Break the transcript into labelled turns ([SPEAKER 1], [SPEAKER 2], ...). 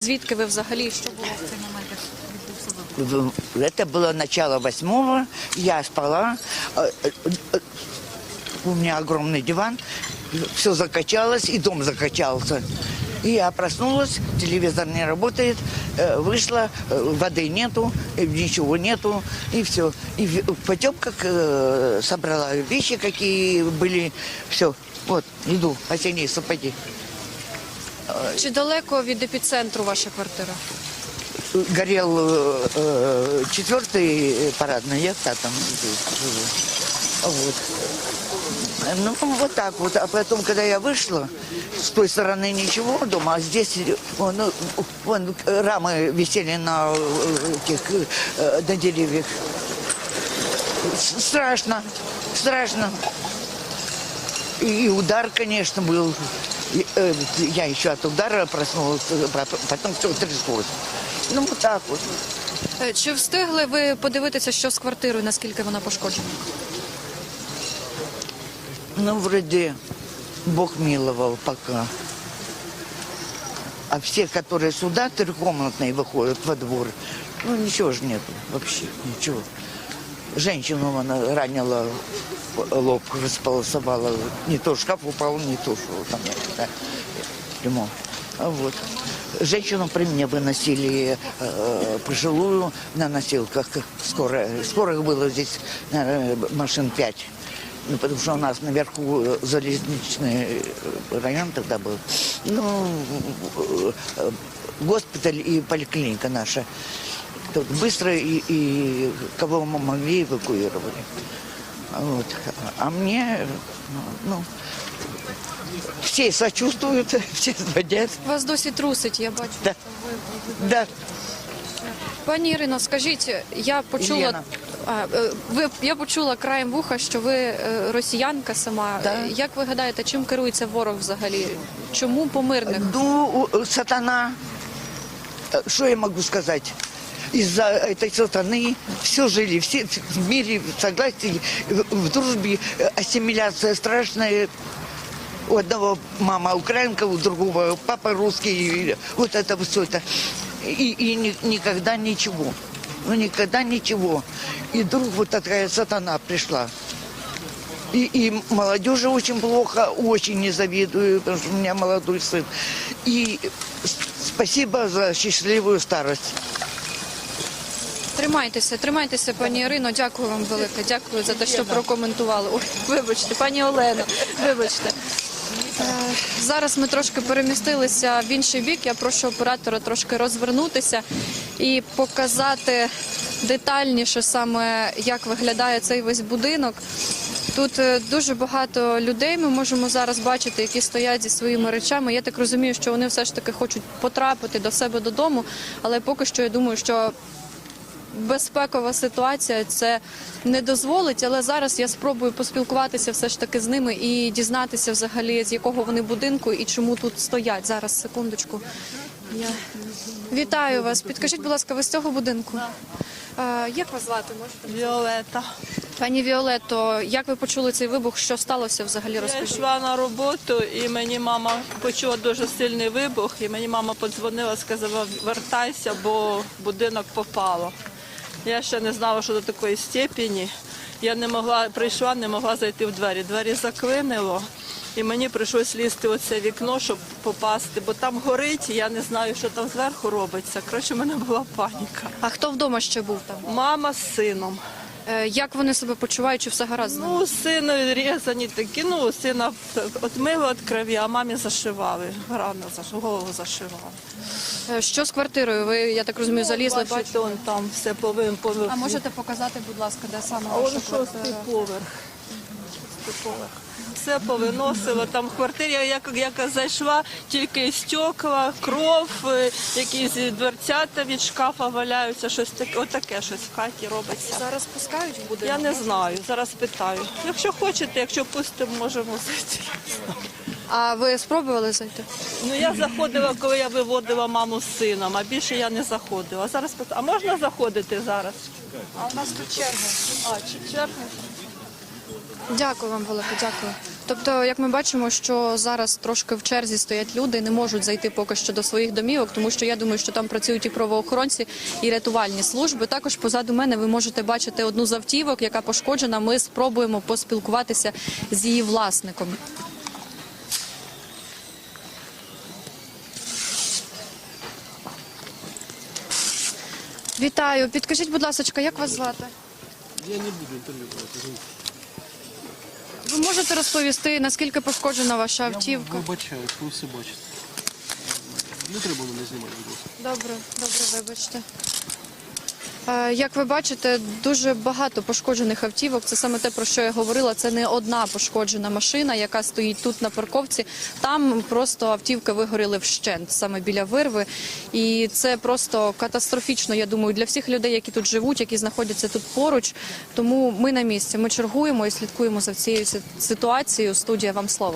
[SPEAKER 1] Звідки ви взагалі, що було в цей момент, як відбувся вибух?
[SPEAKER 2] Это было начало 8-го, я спала, у меня огромный диван, все закачалось, и дом закачался. И я проснулась, телевизор не работает, вышла, воды нету, ничего нету, и все. И в потемках собрала вещи, какие были, все, вот, иду, осенние сапоги.
[SPEAKER 1] Чи далеко від епіцентру ваша квартира?
[SPEAKER 2] Горел 4-й парадный, я в 5-м живу. Вот. Ну, вот так вот. А потом, когда я вышла, с той стороны ничего дома, а здесь вон рамы висели на деревьях. Страшно, страшно. И удар, конечно, был. Я еще от удара проснулась, потом все тряслось. Ну, вот так вот.
[SPEAKER 1] Чи встигли ви подивитися, що з квартирою, наскільки вона пошкоджена?
[SPEAKER 2] Ну, вроде Бог миловал пока. А все, которые сюда трехкомнатные выходят во двор, ну, ничего же нету вообще, ничего. Женщину она ранила, лоб располосовала. Не то шкаф упал, не то, что там ремонт. Вот. Женщину при мне выносили пожилую на носилках. Скорых было здесь, наверное, машин 5. Ну, потому что у нас наверху залезничный район тогда был. Ну, госпиталь и поликлиника наша. Тут быстро и кого мы могли эвакуировали. Вот. А мне, ну, все сочувствуют, все звонят.
[SPEAKER 1] Вас досі трусить, я бачу.
[SPEAKER 2] Да. Да.
[SPEAKER 1] Пані Ірино, скажіть, я почула, я почула краєм вуха, що ви росіянка сама.
[SPEAKER 2] Да.
[SPEAKER 1] Як ви гадаєте, чим керується ворог взагалі? Чому по мирних?
[SPEAKER 2] Ну, сатана, что я могу сказать? Из-за этой сатаны все жили, все в мире, в согласии, в дружбе, ассимиляция страшная. У одного мама украинка, у другого папа русский, вот это все это. И никогда ничего, ну никогда ничего. И вдруг вот такая сатана пришла. И молодежи очень плохо, очень не завидую, потому что у меня молодой сын. И спасибо за счастливую старость.
[SPEAKER 1] Тримайтеся, пані Ірино, дякую вам велике, дякую за те, що прокоментували. Ой, вибачте, пані Олено, вибачте. Зараз ми трошки перемістилися в інший бік, я прошу оператора трошки розвернутися і показати детальніше саме, як виглядає цей весь будинок. Тут дуже багато людей ми можемо зараз бачити, які стоять зі своїми речами. Я так розумію, що вони все ж таки хочуть потрапити до себе додому, але поки що я думаю, що безпекова ситуація це не дозволить, але зараз я спробую поспілкуватися все ж таки з ними і дізнатися взагалі, з якого вони будинку і чому тут стоять. Зараз, секундочку. Вітаю вас. Підкажіть, будь ласка, ви з цього будинку? Як вас звати? Можете?
[SPEAKER 3] Віолета.
[SPEAKER 1] Пані Віолетто, як ви почули цей вибух? Що сталося взагалі?
[SPEAKER 3] Я
[SPEAKER 1] Розкажіть.
[SPEAKER 3] йшла на роботу, і мені мама почула дуже сильний вибух, і мені мама подзвонила, сказала, вертайся, бо в будинок попало. Я ще не знала, що до такої степені. Я не могла, прийшла, не могла зайти в двері. Двері заклинило, і мені прийшлось лізти у це вікно, щоб попасти, бо там горить, і я не знаю, що там зверху робиться. Коротше, в мене була паніка.
[SPEAKER 1] А хто вдома ще був там?
[SPEAKER 3] Мама з сином.
[SPEAKER 1] Як вони себе почувають, чи все гаразд з ними?
[SPEAKER 3] Ну, сину різані такі, ну, сина отмило від крові, а мамі зашивали, рано голову зашивали.
[SPEAKER 1] Що з квартирою? Ви, я так розумію, залізли,
[SPEAKER 3] Бачите,
[SPEAKER 1] бачите?
[SPEAKER 3] он там все повинен.
[SPEAKER 1] А можете показати, будь ласка, де саме
[SPEAKER 3] А
[SPEAKER 1] ваша
[SPEAKER 3] он
[SPEAKER 1] квартира?
[SPEAKER 3] 6-й поверх. 6-й поверх. Все повиносило. Там в квартирі, як зайшла, тільки стекла, кров, якісь дверцята від шкафа валяються, щось таке, отаке щось в хаті робиться.
[SPEAKER 1] Зараз пускають в будинок?
[SPEAKER 3] Я не знаю, зараз питаю. Якщо хочете, якщо пустимо, можемо зайти.
[SPEAKER 1] А ви спробували зайти?
[SPEAKER 3] Ну, я заходила, коли я виводила маму з сином, а більше я не заходила. Зараз питаю, а можна заходити зараз? А у нас тут черга. А, черга?
[SPEAKER 1] Дякую вам велике, дякую. Тобто, як ми бачимо, що зараз трошки в черзі стоять люди, не можуть зайти поки що до своїх домівок, тому що я думаю, що там працюють і правоохоронці, і рятувальні служби. Також позаду мене ви можете бачити одну з автівок, яка пошкоджена. Ми спробуємо поспілкуватися з її власником. Вітаю. Підкажіть, будь ласка, як вас звати?
[SPEAKER 4] Я не буду інтерв'ю брати.
[SPEAKER 1] Ви можете розповісти, наскільки пошкоджена ваша автівка?
[SPEAKER 4] Вибачаю, ви все бачите. Не треба мене знімати, будь ласка.
[SPEAKER 1] Добре, вибачте. Як ви бачите, дуже багато пошкоджених автівок. Це саме те, про що я говорила. Це не одна пошкоджена машина, яка стоїть тут на парковці. Там просто автівки вигоріли вщент, саме біля вирви. І це просто катастрофічно, я думаю, для всіх людей, які тут живуть, які знаходяться тут поруч. Тому ми на місці, ми чергуємо і слідкуємо за цією ситуацією. Студія, вам слово.